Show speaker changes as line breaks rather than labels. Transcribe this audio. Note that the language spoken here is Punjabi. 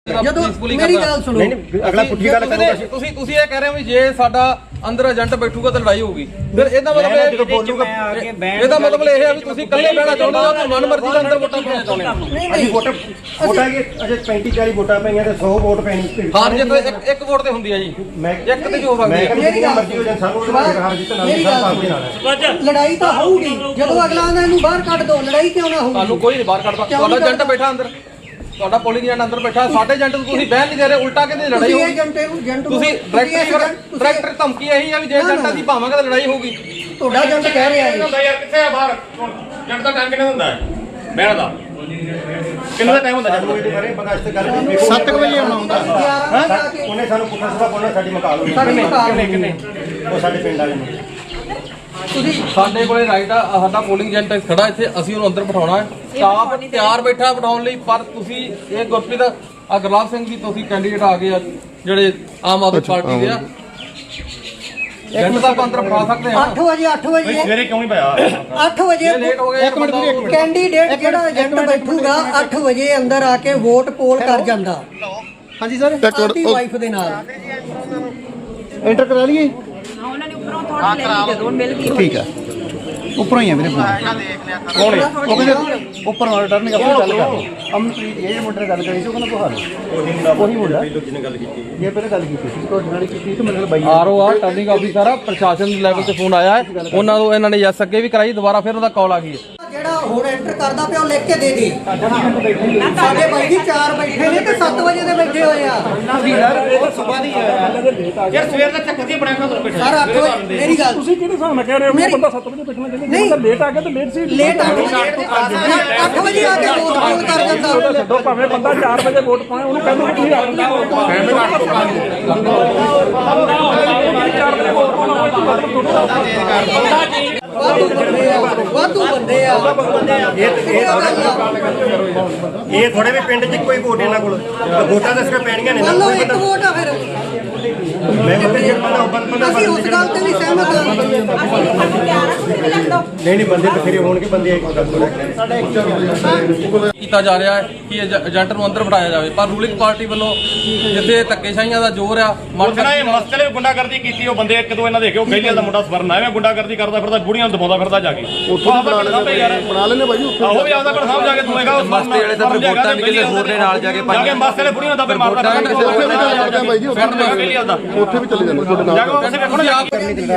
ਮੇਰੀ ਗੱਲ ਸੁਣੋ
ਅਗਲਾ ਪੁੱਠੀ ਗੱਲ ਕਰੋਗੇ
ਤੁਸੀਂ ਇਹ ਕਹਿ ਰਹੇ ਹੋ ਵੀ ਜੇ ਸਾਡਾ ਅੰਦਰ ਏਜੰਟ ਬੈਠੂਗਾ ਤਾਂ ਲੜਾਈ ਹੋਊਗੀ ਫਿਰ ਇਹਦਾ ਮਤਲਬ ਇਹਦਾ ਮਤਲਬ ਇਹ ਹੈ ਵੀ ਤੁਸੀਂ ਇਕੱਲੇ ਬਹਿਣਾ ਚਾਹੁੰਦੇ ਹੋ ਤੇ ਮਨਮਰਜ਼ੀ ਦਾ ਅੰਦਰ ਵੋਟਾਂ ਪਾਉਣਾ ਚਾਹੁੰਦੇ ਹੋ।
ਅਸੀਂ ਵੋਟਾਂ ਕਿ ਅਜੇ 35 40 ਵੋਟਾਂ ਪਈਆਂ ਤੇ 100 ਵੋਟ ਪੈਣੀ
ਹਾਰ ਜਿੱਤ ਇੱਕ ਵੋਟ ਤੇ ਹੁੰਦੀ ਹੈ ਜੀ ਇੱਕ ਤੇ ਜੋ ਸਕਦੀ ਹੈ
ਮੇਰੀ ਮਰਜ਼ੀ ਹੋ ਜਾਂ ਸਾਨੂੰ ਹਾਰ ਜਿੱਤ ਨਾਲ
ਲੜਾਈ ਤਾਂ ਹੋਊਗੀ ਜਦੋਂ ਅਗਲਾ ਆਂਦਾ ਇਹਨੂੰ ਬਾਹਰ ਕੱਢ ਦੋ ਲੜਾਈ ਕਿਉਂ ਨਾ ਹੋਊਗੀ
ਤੁਹਾਨੂੰ ਕੋਈ ਨਹੀਂ ਬਾਹਰ ਕੱਢਦਾ ਤੁਹਾਡਾ ਏਜੰਟ ਬੈਠਾ ਅੰਦਰ ਤੁਹਾਡਾ ਪੋਲਿੰਗ ਏਜੰਟ ਅੰਦਰ ਬੈਠਾ ਸਾਡੇ ਏਜੰਟ ਨੂੰ ਤੁਸੀਂ ਬਹਿਣ ਨਹੀਂ ਦੇ ਰਹੇ ਉਲਟਾ ਕਹਿੰਦੇ ਲੜਾਈ ਹੋਊਗੀ ਤੁਸੀਂ ਡਾਇਰੈਕਟਰ ਧਮਕੀ ਇਹੀ ਆ ਵੀ ਜੇ ਏਜੰਟਾਂ ਦੀ ਭਾਵਾਂਗੇ ਤਾਂ ਲੜਾਈ ਹੋਊਗੀ
ਤੁਹਾਡਾ ਏਜੰਟ ਕਹਿ ਰਿਹਾ ਹੈ
ਯਾਰ ਕਿੱਥੇ ਆ ਬਾਹਰ ਏਜੰਟ ਦਾ ਟਾਈਮ ਕਿੰਨਾ ਹੁੰਦਾ ਹੈ ਬਹਿਣ ਦਾ ਕਿੰਨਾ ਟਾਈਮ ਹੁੰਦਾ
ਕਰੇ ਬਗਾਸ਼ਤ ਕਰ
7 ਵਜੇ ਆਉਣਾ ਹੁੰਦਾ
ਉਹਨੇ ਸਾਨੂੰ ਪੁੱਠਾ ਸਵਾ ਬੋਲਣਾ ਸਾਡੀ ਮਕਾਲ
ਕਿੰਨੇ
ਉਹ ਸਾਡੇ ਪਿੰਡ ਵਾਲੇ ਨੇ
ਸਾਡੇ ਕੋਲੇ ਰਾਈਟ ਆ ਸਾਡਾ ਪੋਲਿੰਗ ਏਜੰਟ ਖੜਾ ਇੱਥੇ ਅਸੀਂ ਉਹਨੂੰ ਅੰਦਰ ਬਿਠਾਉਣਾ ਹੈ ਸਟਾਫ ਤਿਆਰ ਬੈਠਾ ਬਿਠਾਉਣ ਲਈ ਪਰ ਤੁਸੀਂ ਇਹ ਗੁਰਪ੍ਰੀਤ ਆ ਗੁਰਲਾਬ ਸਿੰਘ ਜੀ ਤੁਸੀਂ ਕੈਂਡੀਡੇਟ ਆ ਗਏ ਆ ਜਿਹੜੇ ਆਮ ਆਦਮੀ ਪਾਰਟੀ ਦੇ ਆ ਏਜੰਟ ਦਾ ਅੰਦਰ ਬਿਠਾ ਸਕਦੇ ਆ
8 ਵਜੇ
ਸਵੇਰੇ ਕਿਉਂ ਨਹੀਂ ਪਾਇਆ
8 ਵਜੇ
ਲੇਟ ਹੋ ਗਏ
1 ਮਿੰਟ
ਕੈਂਡੀਡੇਟ ਜਿਹੜਾ ਏਜੰਟ ਬੈਠੂਗਾ 8 ਵਜੇ ਅੰਦਰ ਆ ਕੇ ਵੋਟ ਪੋਲ ਕਰ ਜਾਂਦਾ
ਹਾਂਜੀ ਸਰ
ਆਪਣੀ ਵਾਈਫ ਦੇ ਨਾਲ
ਐਂਟਰ ਕਰਾ ਲਈਏ
ਉਹਨਾਂ ਨੇ ਉੱਪਰੋਂ ਥੋੜਾ ਲੈ ਲਈ ਜਦੋਂ ਮਿਲ ਗਈ
ਠੀਕ ਆ ਉੱਪਰੋਂ ਹੀ ਆ ਮੇਰੇ ਫੋਨ ਉਹ ਕਹਿੰਦੇ ਉੱਪਰ ਮਾਰ ਟਰਨ ਆਪਣੀ ਗੱਲ ਕਰ ਅਮਨਪ੍ਰੀਤ ਇਹ ਮੁੰਡੇ ਨਾਲ ਗੱਲ ਕਰੀ ਸੀ ਉਹ ਕਹਿੰਦਾ ਤੁਹਾਨੂੰ ਉਹੀ ਮੁੰਡਾ
ਜਿਹਨੇ ਗੱਲ ਕੀਤੀ
ਇਹ ਪਹਿਲਾਂ ਗੱਲ ਕੀਤੀ ਸੀ ਤੁਹਾਡੇ ਨਾਲ ਕੀਤੀ ਸੀ ਮੇਰੇ ਨਾਲ ਬਾਈ
ਆਰਓ ਆ ਟਰਨਿੰਗ ਆਫਿਸਰ ਆ ਪ੍ਰਸ਼ਾਸਨ ਲੈਵਲ ਤੇ ਫੋਨ ਆਇਆ ਹੈ ਉਹਨਾਂ ਨੂੰ ਇਹਨਾਂ ਨੇ ਯੈਸ ਅੱਗੇ ਵੀ ਕਰਾਈ ਦੁਬਾਰਾ ਫਿਰ ਉਹਦਾ ਕਾਲ ਆ ਗਈ ਹੈ
ਜਿਹੜਾ ਹੁਣ ਐਂਟਰ ਕਰਦਾ ਪਿਆ ਉਹ ਲਿਖ ਕੇ ਦੇ ਦੇ ਸਾਡੇ ਬਾਈ ਜੀ 4 ਬੈਠੇ ਨੇ ਤੇ 7 ਵਜੇ ਦੇ ਬੈਠੇ ਹੋਏ ਆ
ਯਾਰ ਸਵੇਰ ਦਾ ਚੱਕਰ ਦੀ ਬਣਾਇਆ ਤੁਹਾਨੂੰ ਬੈਠਾ
ਸਰ 8 ਵਜੇ ਮੇਰੀ ਗੱਲ
ਤੁਸੀਂ ਕਿਹੜੇ ਹਿਸਾਬ ਨਾਲ ਕਹਿ ਰਹੇ ਹੋ ਬੰਦਾ 7 ਵਜੇ ਬੈਠਣਾ ਚਾਹੀਦਾ ਜੇ ਬੰਦਾ ਲੇਟ ਆ ਗਿਆ ਤਾਂ ਲੇਟ ਸੀ
ਲੇਟ 8 ਵਜੇ ਆ ਕੇ ਵੋਟ ਪੋਲ ਕਰ ਜਾਂਦਾ
ਛੱਡੋ ਭਾਵੇਂ ਬੰਦਾ 4 ਵਜੇ ਵੋਟ ਪਾਏ ਉਹਨੂੰ ਕਹਿੰਦੇ ਕਿ ਤੁਸੀਂ ਆਪ
ਵਾਧੂ ਬੰਦੇ ਆ
ਇਹ ਥੋੜੇ ਵੀ ਪਿੰਡ 'ਚ ਕੋਈ ਵੋਟ ਇਹਨਾਂ ਕੋਲ ਵੋਟਾਂ ਤਾਂ ਸਿਰਫ ਪੈਣੀਆਂ ਨੇ
ਮੰਨ ਲਓ ਇੱਕ ਵੋਟ ਆ ਫਿਰ
ਮੈਂ ਬੰਦਾ
ਅਸੀਂ ਉਸ ਗੱਲ ਤੇ ਵੀ ਸਹਿਮਤ ਹਾਂ
ਨਹੀਂ ਬੰਦੇ ਬਥੇਰੇ ਹੋਣਗੇ ਬੰਦੇ ਇੱਕ ਗੱਲ
ਕੀਤਾ ਜਾ ਰਿਹਾ ਹੈ ਕਿ ਏਜੰਟ ਨੂੰ ਅੰਦਰ ਬਿਠਾਇਆ ਜਾਵੇ ਪਰ ਰੂਲਿੰਗ ਪਾਰਟੀ ਵੱਲੋਂ ਜਿੱਥੇ ਧੱਕੇਸ਼ਾਹੀਆਂ ਦਾ ਜ਼ੋਰ ਆ
ਜਿਹੜਾ ਇਹ ਮਸਲੇ ਗੁੰਡਾਗਰਦੀ ਕੀਤੀ ਉਹ ਬੰਦੇ ਇੱਕ ਦੋ ਇਹਨਾਂ ਦੇਖਿਓ ਗੈਲੀਆਂ ਦਾ ਮੁੰਡਾ ਸਵਰਨ ਆਇਆ ਗੁੰਡਾਗਰਦੀ ਕਰਦਾ ਫਿਰਦਾ ਬੁੜੀਆਂ ਨੂੰ ਦਬਾਉਂਦਾ ਫਿਰਦਾ ਜਾ ਕੇ
ਉੱਥੋਂ ਬਣਾ ਲੈਣੇ ਭਾਈ
ਉਹ ਵੀ ਆਪਦਾ ਸਾਹਮਣੇ ਜਾ ਕੇ ਤੂੰ ਹੈਗਾ
ਮਸਤੇ ਵਾਲੇ ਤਾਂ ਫਿਰ ਵੋਟਾਂ ਵੀ ਕਿਸੇ ਹੋਰ ਦੇ ਨਾਲ ਜਾ ਕੇ
ਜਾ ਕੇ ਮਸਲੇ ਬੁੜੀਆਂ ਦਾ ਮਾਰਦਾ
ਉੱਥੇ ਵੀ ਚਲੇ ਜਾਂਦੇ ਤੁਹਾਡੇ ਨਾਲ